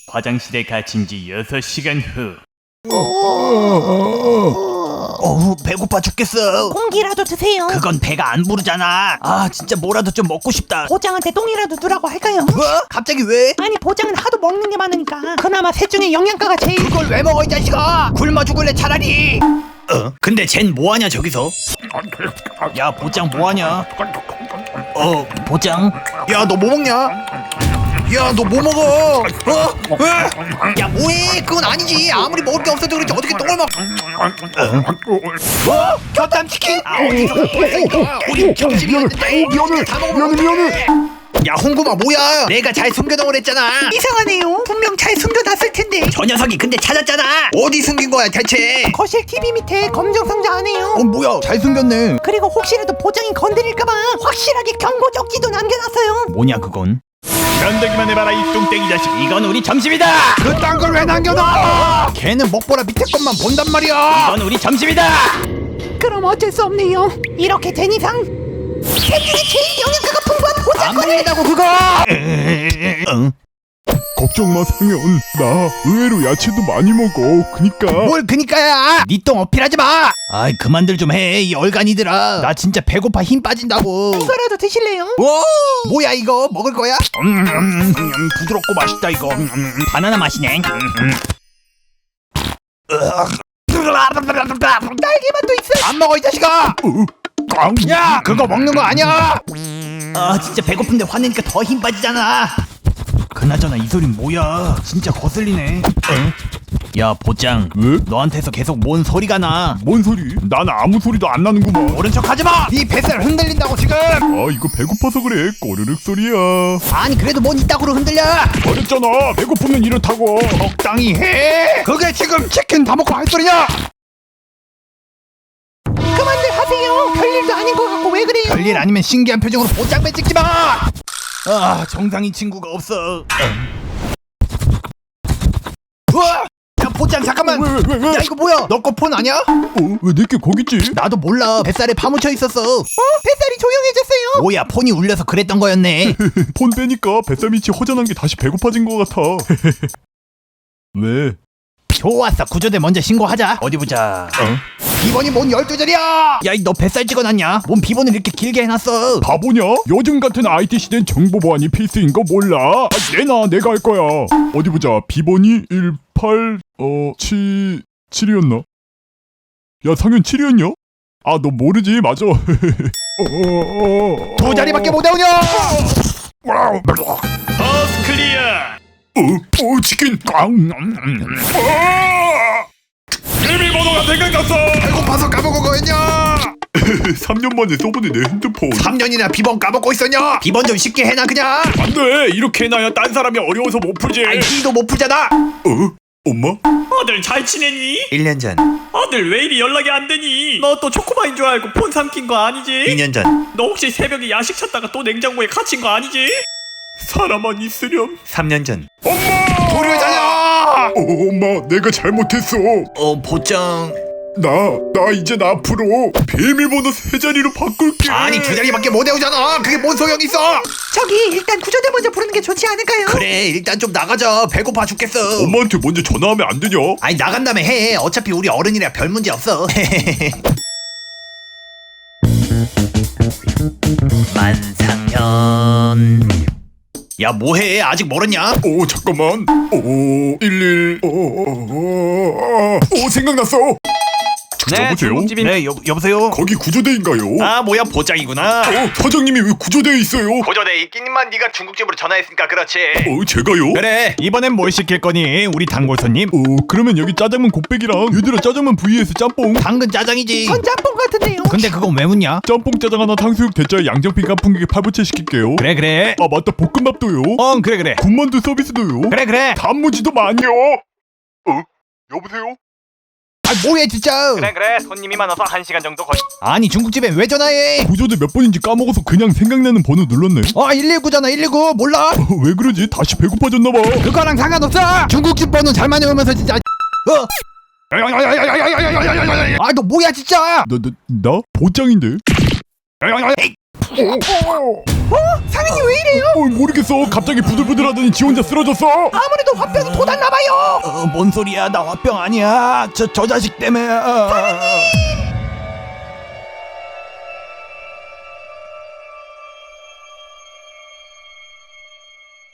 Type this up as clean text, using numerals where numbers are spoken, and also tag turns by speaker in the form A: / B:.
A: 화장실에 갇힌 지 6시간 후. 배고파 죽겠어.
B: 공기라도 드세요.
A: 그건 배가 안 부르잖아. 아 진짜 뭐라도 좀 먹고 싶다.
B: 보장한테 똥이라도 두라고 할까요?
A: 뭐? 갑자기 왜?
B: 아니 보장은 하도 먹는 게 많으니까 그나마 셋 중에 영양가가 제일.
A: 그걸 왜 먹어 이 자식아. 굶어 죽을래 차라리. 근데 쟨 뭐하냐 저기서? 야 보장 뭐하냐? 보장? 야 너 뭐 먹냐? 야 너 뭐 먹어? 야 뭐해? 그건 아니지. 아무리 먹을 게 없어도 그렇지 어떻게 똥을 먹? 뭐? 곁담치킨? 우리 점심이었는데 미안해. 야 홍구마 뭐야? 내가 잘 숨겨놓으라 했잖아.
B: 이상하네요. 분명 잘 숨겨놨을 텐데.
A: 저 녀석이 근데 찾았잖아. 어디 숨긴 거야 대체?
B: 거실 TV 밑에 검정 상자 안에요.
A: 뭐야 잘 숨겼네.
B: 그리고 혹시라도 보장이 건드릴까봐 확실하게 경고 적지도 남겨놨어요.
A: 뭐냐 그건? 견대기만 해봐라 이 뚱땡이 자식. 이건 우리 점심이다. 그딴 걸 왜 남겨놔? 걔는 먹보라 밑에 것만 본단 말이야. 이건 우리 점심이다.
B: 그럼 어쩔 수 없네요. 이렇게 된 이상 셋 중에 제일 영양가가 풍부한
A: 안
B: 보장권을.
A: 먹는다고 그거.
C: 걱정 마 상현, 나 의외로 야채도 많이 먹어. 그니까.
A: 뭘 그니까야. 니 똥 어필하지 마. 아이 그만들 좀 해 이 얼간이들아. 나 진짜 배고파 힘 빠진다고.
B: 이거라도 드실래요?
A: 뭐야 이거 먹을 거야? 부드럽고 맛있다 이거. 바나나 맛이네.
B: 딸기맛도 있어요.
A: 안 먹어 이 자식아. 야 그거 먹는 거 아니야. 아 진짜 배고픈데 화내니까 더 힘 빠지잖아. 그나저나 이 소린 뭐야? 진짜 거슬리네. 야 보장.
C: 왜?
A: 너한테서 계속 뭔 소리가 나?
C: 뭔 소리? 난 아무 소리도 안 나는구만.
A: 모른 척 하지 마. 네 뱃살 흔들린다고 지금.
C: 아 이거 배고파서 그래. 꼬르륵 소리야.
A: 아니 그래도 뭔 이따구로 흔들려.
C: 말했잖아. 배고프면 이렇다고.
A: 적당히 해. 그게 지금 치킨 다 먹고 할 소리냐?
B: 그만들 하세요. 별일도 아닌 것 같고 왜 그래요?
A: 별일 아니면 신기한 표정으로 보장배 찍지 마. 아 정상인 친구가 없어. 우와! 야 보장 잠깐만.
C: 왜?
A: 야 이거 뭐야? 너 거 폰 아니야?
C: 왜 내게 거기 있지?
A: 나도 몰라. 뱃살에 파묻혀 있었어.
B: 뱃살이 조용해졌어요.
A: 뭐야 폰이 울려서 그랬던 거였네.
C: 폰 빼니까 뱃살 밑이 허전한 게 다시 배고파진 것 같아. 왜?
A: 좋았어. 구조대 먼저 신고하자. 어디 보자. 비번이 뭔 12자리야? 야 너 뱃살 찍어놨냐? 뭔 비번을 이렇게 길게 해놨어?
C: 바보냐? 요즘 같은 IT 시대엔 정보 보안이 필수인 거 몰라? 내가 할 거야. 어디 보자. 비번이 7이었나? 야 상현 7이었냐? 아 너 모르지 맞아.
A: 두 자리밖에 못 외우냐?
D: 버스 클리어.
C: 치킨.
D: 비밀번호가 생각났어.
A: 배고파서 까먹은 거였냐?
C: 3년 만에 써보네 내 핸드폰.
A: 3년이나 비번 까먹고 있었냐? 비번 좀 쉽게 해놔 그냥.
D: 안돼, 이렇게 해놔야 딴 사람이 어려워서 못 풀지.
A: 아이 니도 못 풀잖아.
C: 엄마?
D: 아들 잘 지내니?
A: 1년 전,
D: 아들 왜 이리 연락이 안 되니? 너 또 초코바인 줄 알고 폰 삼킨 거 아니지?
A: 2년 전,
D: 너 혹시 새벽에 야식 찾다가 또 냉장고에 갇힌 거 아니지? 사람만 있으렴.
A: 3년 전.
C: 도리잖아. 엄마 내가 잘못했어.
A: 보장.
C: 나 이제 앞으로 비밀번호 3자리로 바꿀게.
A: 아니 2자리밖에 못 외우잖아. 그게 뭔 소용이 있어?
B: 저기 일단 구조대 먼저 부르는 게 좋지 않을까요?
A: 그래 일단 좀 나가자. 배고파 죽겠어.
C: 엄마한테 먼저 전화하면 안 되냐?
A: 아니 나간 다음에 해. 어차피 우리 어른이라 별 문제 없어. 만상현. 야 뭐해? 아직 멀었냐?
C: 잠깐만. 11. 생각났어. 여보세요?
A: 네 여보세요?
C: 거기 구조대인가요?
A: 아 뭐야 보장이구나.
C: 사장님이 왜 구조대에 있어요?
A: 구조대 있기님만 네가 중국집으로 전화했으니까 그렇지.
C: 제가요?
A: 그래 이번엔 뭘 시킬 거니 우리 단골 손님?
C: 그러면 여기 짜장면 곱빼기랑 얘들아 짜장면 vs 짬뽕.
A: 당근 짜장이지.
B: 전 짬뽕 같은데요.
A: 근데 그건 왜 묻냐?
C: 짬뽕 짜장 하나 탕수육 대짜에 양정핀 깐풍기에 팔부채 시킬게요.
A: 그래
C: 아 맞다 볶음밥도요.
A: 그래
C: 군만두 서비스도요.
A: 그래
C: 단무지도 많이요. 여보세요?
A: 아 뭐야 진짜.
D: 그래 손님이 많아서 1시간 정도 걸려.
A: 아니 중국집에 왜 전화해?
C: 구조대 몇 번인지 까먹어서 그냥 생각나는 번호 눌렀네.
A: 119잖아 119 몰라?
C: 왜 그러지? 다시 배고파졌나봐.
A: 그거랑 상관없어. 중국집 번호 잘만 외우면서 진짜. 너 뭐야 진짜.
C: 나 보장인데.
B: 상인이 왜 이래요?
C: 모르겠어. 갑자기 부들부들하더니 지 혼자 쓰러졌어.
B: 아무래도 화병이 돋았나봐요.
A: 뭔 소리야? 나 화병 아니야. 저 자식 때문에.